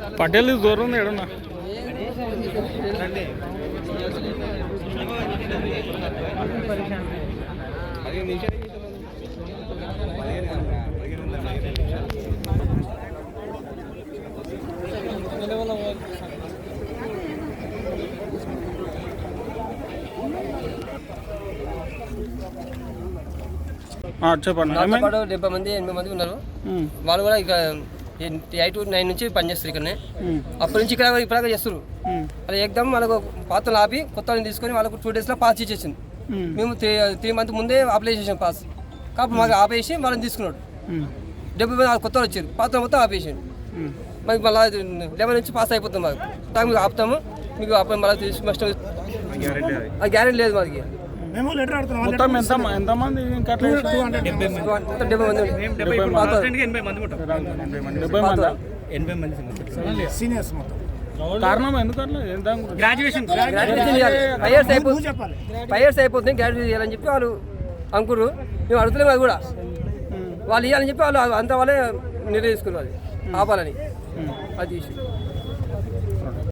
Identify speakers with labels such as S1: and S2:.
S1: పటేల్ దూరం ఉంది ఎడన్నా చెప్పండి.
S2: 70 మంది 80 మంది ఉన్నారు. వాళ్ళు కూడా ఇక 8 to 9 నుంచి పనిచేస్తారు ఇక్కడనే. అప్పటి నుంచి ఇక్కడ ఇప్పటిదాకా చేస్తారు. అది ఎగ్దమ్ వాళ్ళకు పాత్రలు ఆపి కొత్త వాళ్ళని తీసుకొని వాళ్ళకు 2 daysలో పాస్ ఇచ్చేసింది. మేము 3 months ముందే అప్లై చేసాం పాస్. కాబట్టి మాకు ఆపేసి వాళ్ళని తీసుకున్నాడు. 70 మంది కొత్త వాళ్ళు వచ్చారు, పాత్ర మొత్తం ఆపేసాడు. మాకు మళ్ళీ 11 నుంచి పాస్ అయిపోతాం. మాకు మీకు ఆపుతాము, మీకు అప్పుడు మళ్ళీ తీసుకు గ్యారెంటీ లేదు మాకు.
S1: మొత్తం ఎంతమంది
S2: 80 మంది
S3: సీనియర్స్ మొత్తం.
S1: కారణం ఎందుకంటే
S2: గ్రాడ్యుయేషన్ 5 years అయిపోతుంది గ్రాడ్యుయేషన్ చేయాలని చెప్పి వాళ్ళు అనుకున్నారు. మేము అడుగుతున్నాం అది కూడా వాళ్ళు ఇవ్వాలని చెప్పి వాళ్ళు అంతా వాళ్ళే నిర్ణయించుకున్నారు అది ఆపాలని. అది